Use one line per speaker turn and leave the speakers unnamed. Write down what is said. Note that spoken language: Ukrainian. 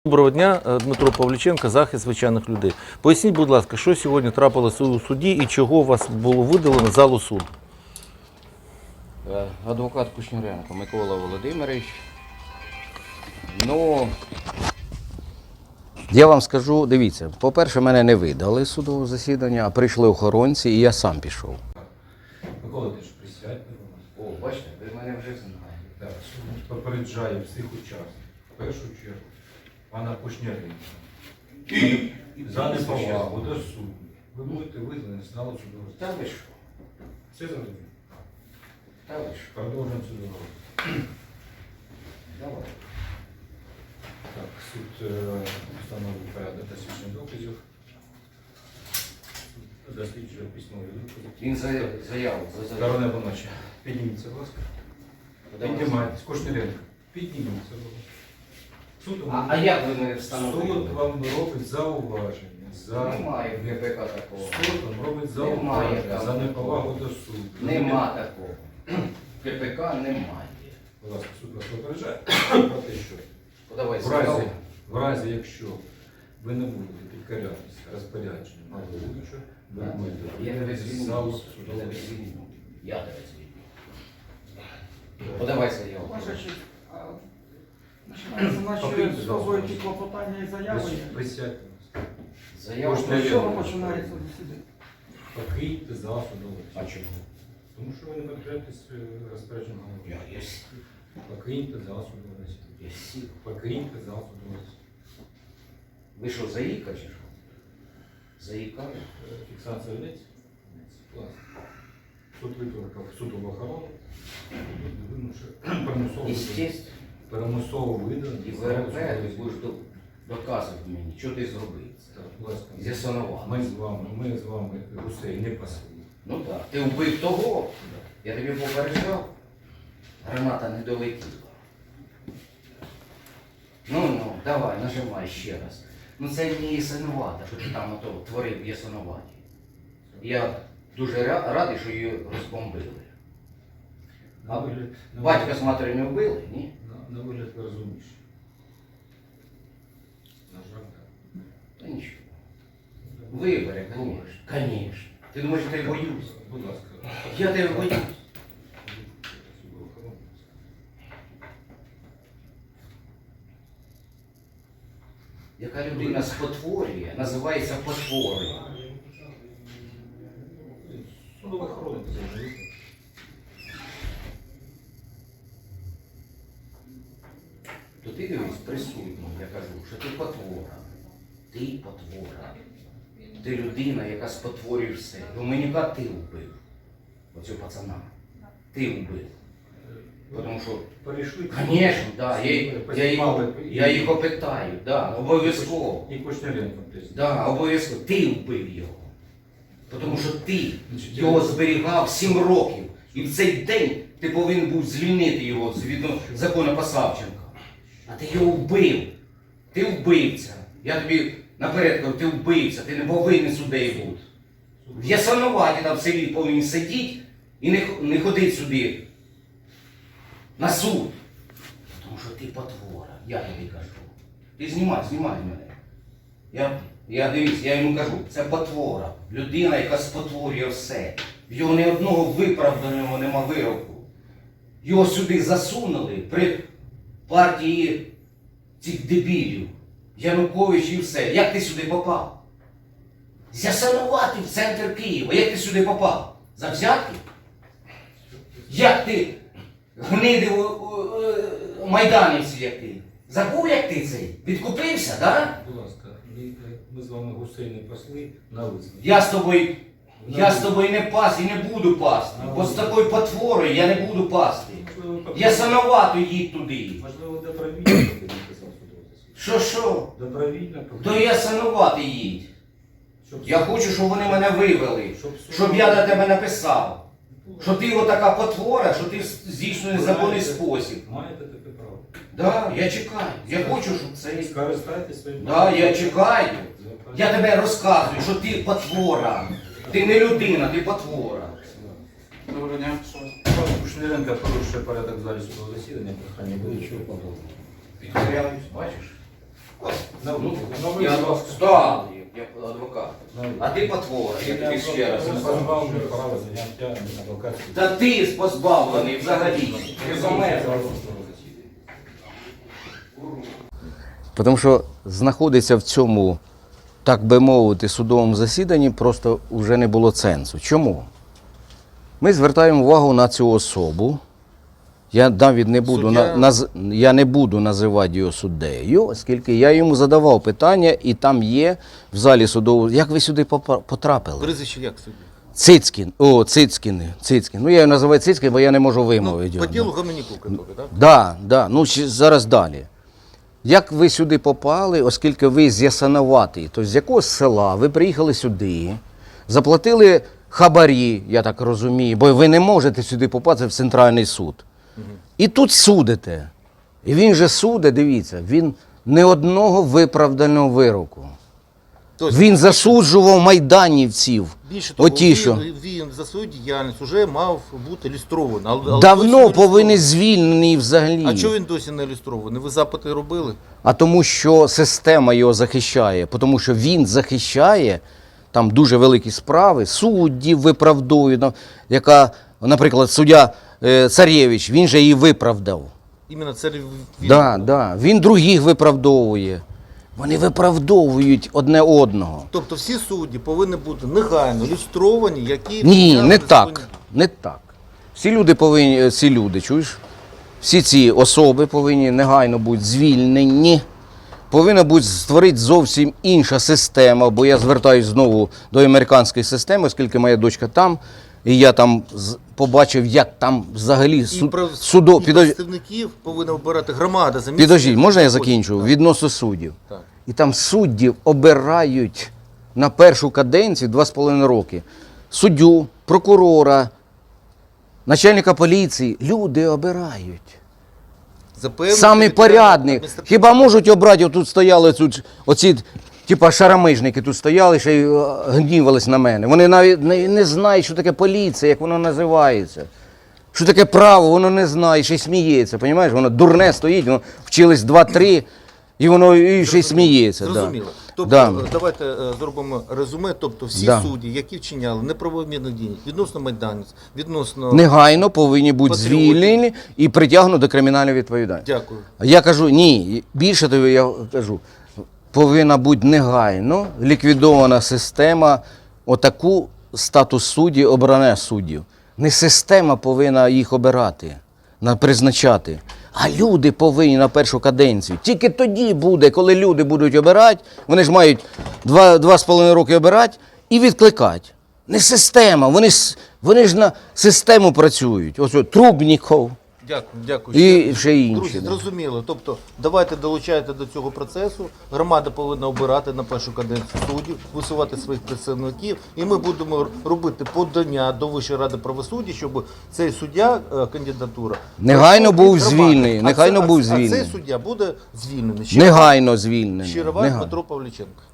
Доброго дня, Дмитро Павліченко, захист звичайних людей. Поясніть, будь ласка, що сьогодні трапилося у суді і чого у вас було видалено з залу суду?
Адвокат Кушніренко Микола Володимирович. Ну, я вам скажу, дивіться, по-перше, мене не видали з судового засідання, а прийшли охоронці і я сам пішов.
Микола, ти ж присядь.
О, бачите, ви мене вже знаєте.
Так, суд попереджає всіх учасників. В першу чергу, пана Кушніренка. За неповагу до суду. Ви будете визнані з залу судового
Та
засідання.
ви що?
Все зрозуміло?
Та ви що?
Продовжуємо судову.
Давай.
Так, суд встановив порядок дослідження доказів. Суд досліджує письмові докази.
Він заяву.
Сторона поночі. Підніміться, будь ласка. Піднімайтесь. Кушніренко. Підніміться, будь ласка. Суд
А як ви мене
Суд
встановили?
вам робить зауваження.
Немає в ГПК такого.
Суд вам робить
Немає
зауваження
там
за
такого.
неповагу до суду.
Нема такого. В ГПК немає.
Будь ласка, суд вас попереджає про те, що
Подавай
в
заяву.
разі, якщо ви не будете підкорятися розпорядженням головуючого, ви
Я тебе
будете з залу
звільню. Я
судового
тебе
засідання.
звільню. Я тебе звільню. Подавай заяву.
Ваша честь, починається наші особливі клопотання і заяви.
Присядьте.
Заяву.
Кожне
З чого починається засідання?
Покиньте зал судового
А
засідання.
чому?
Тому що ви не підкоряєтесь розпорядженням головуючого.
Я сів.
Покиньте зал судового засідання.
Я сів.
Покиньте зал судового засідання.
Ви що, заїка чи що? Заїкали?
Фіксація ведеться? Класно. Суд викликав судову охорону.
Естественно.
Примусово видано.
І ВРП ти будеш доказувати мені, що ти зробив.
Так, будь ласка.
З'ясонував.
Ми з вами гусей не пасли.
Ну так. Ти вбив того. Я тобі попереджав. Граната не долетіла. Ну, давай, нажимай ще раз. Ну це не ясонувата, що ти там ото творив в ясонуваті. Я дуже радий, що її розбомбили.
На вигляд,
Батька з матері не вбили, ні?
на вигляд ви розумніші. На жаль, так.
Та нічого. Вибори, конечно. Конечно. Ти думаєш, що я боюсь?
Будь ласка.
Я тебе боюсь.
Судову охорону.
Яка людина спотворює, називається потворою.
Судову охорону позовете.
То ти дивись присутній, я кажу, що ти потвора. Ти потвора. Ти людина, яка спотворює все. Доменюка ти вбив. Оцього пацана. Ти вбив. Тому що,
Перейшли.
звісно, да, я їх опитаю, да, обов'язково.
І Кушніренко теж.
Да, обов'язково. Ти вбив його. Тому що ти його зберігав 7 років. І в цей день ти повинен був звільнити його згідно закону Посавченка. А ти його вбив. Ти вбивця. Я тобі наперед кажу, ти вбивця, ти не повинен суддею бути. В Ясонуваті там в селі повинен сидіти і не ходити сюди на суд. Тому що ти потвора, я тобі кажу. Ти знімай мене. Я дивись, я йому кажу, це потвора. Людина, яка спотворює все. В його ні одного виправданого нема вироку. Його сюди засунули при партії цих дебілів. Янукович і все. Як ти сюди попав? З'ясонувати в центр Києва. Як ти сюди попав? За взятки? Як ти гнидив майданівці, як ти? Забув, як ти цей? Відкупився, да?
Будь ласка, ми з вами гусей не пасли на визнання.
Я з тобою не пас і не буду пасти. Бо з такою потворою я не буду пасти. Я сановато їдь туди.
Можливо, добровільно, як я казав судового.
Що?
Добровільно.
То я санувати їдь. Я хочу, щоб вони мене вивели. Щоб я до тебе написав. Що ти отака потвора, що ти здійснюєш незаконний спосіб.
Маєте таке право.
Да, я чекаю. Я хочу, щоб це...
Скористайтесь своїм
Да, я чекаю. Я тебе розказую, що ти потвора. Ти не людина, ти потвора.
Доброго дня.
Кушніренко порушує порядок в залі судового засідання, прохання буде.
Підкоряюсь, бачиш? Ну,
Ну,
я став, як адвокат. А ти потвора, я тобі ще раз.
позбавлений права заняття адвокатської.
Та ти позбавлений взагалі. Ти помер.
Тому що знаходиться в цьому, так би мовити, судовому засіданні просто вже не було сенсу. Чому? Ми звертаємо увагу на цю особу. Я навіть не буду,
Суддя-
я не буду називати його суддею, оскільки я йому задавав питання, і там є в залі судового, як ви сюди потрапили?
Прізвище як судді?
Цицькін. Ну, я його називаю Цицькін, бо я не можу вимовити
По
його.
ділу Гоменюку, так?
Да. Ну, зараз далі. Як ви сюди попали, оскільки ви з Ясиноватої, тобто з якого села ви приїхали сюди, заплатили хабарі, я так розумію, бо ви не можете сюди попасти в центральний суд. І тут судите. І він же судить, дивіться, він не одного виправданого вироку.
Тобто,
Він засуджував майданівців.
більше того,
Оті, що
він за свою діяльність вже мав бути ілюстрований. Але досі
давно
не
повинен
ілюстрований.
звільнений взагалі.
А чого він досі не ілюстрований? Ви запити робили?
А тому, що система його захищає, тому що він захищає там дуже великі справи, суддів виправдовує, яка, наприклад, суддя Царєвич, він же її виправдав.
Іменно це він.
Да. Він других виправдовує. Вони виправдовують одне одного.
Тобто всі судді повинні бути негайно ілюстровані, які...
Ні,
вчиняли
не
незаконні
так. Не так. Всі люди, чуєш? Всі ці особи повинні негайно бути звільнені. Повинна бути створити зовсім інша система, бо я звертаюся знову до американської системи, оскільки моя дочка там, і я там побачив, як там взагалі
І
судо...
представників повинна обирати громада за місцем.
Підождіть, можна я
знаходяться.
закінчу?
Так.
Відносно суддів.
Так.
І там суддів обирають на першу каденцію 2,5 роки. Суддю, прокурора, начальника поліції. Люди обирають.
За певну
Самі
територіальну
порядні.
адміністративну-
Хіба можуть обрати, тут стояли оці типа шарамижники тут стояли, ще й гнівались на мене. Вони навіть не знають, що таке поліція, як воно називається. Що таке право, воно не знає, ще й сміється. Понімаєш? Воно дурне стоїть, воно вчились 2-3, і воно і ще й сміється.
Зрозуміло.
Да.
Тобто,
Да.
давайте зробимо резюме. Тобто всі
Да.
судді, які вчиняли неправомірні дії відносно майданців, відносно...
Негайно повинні бути
Патріотів.
звільнені і притягнуті до кримінальної відповідальності.
Дякую.
Я кажу, ні, більше того, я кажу, повинна бути негайно ліквідована система, отаку статус судді, обрання суддів. Не система повинна їх обирати, призначати, а люди повинні на першу каденцію. Тільки тоді буде, коли люди будуть обирати, вони ж мають 2,5 роки обирати і відкликати. Не система, вони ж на систему працюють. Ось Трубніков.
Дякую.
І ще інші,
Друзі,
да.
зрозуміло. Тобто, давайте долучайте до цього процесу. Громада повинна обирати на першу каденцію суддів, висувати своїх представників. І ми будемо робити подання до Вищої ради правосуддя, щоб цей суддя, кандидатура...
Негайно
пройшов
був
від громади.
звільнений, негайно був
А
звільнений.
цей суддя буде звільнений.
Негайно звільнений.
Щирова
Негайно.
Дмитро Павліченко.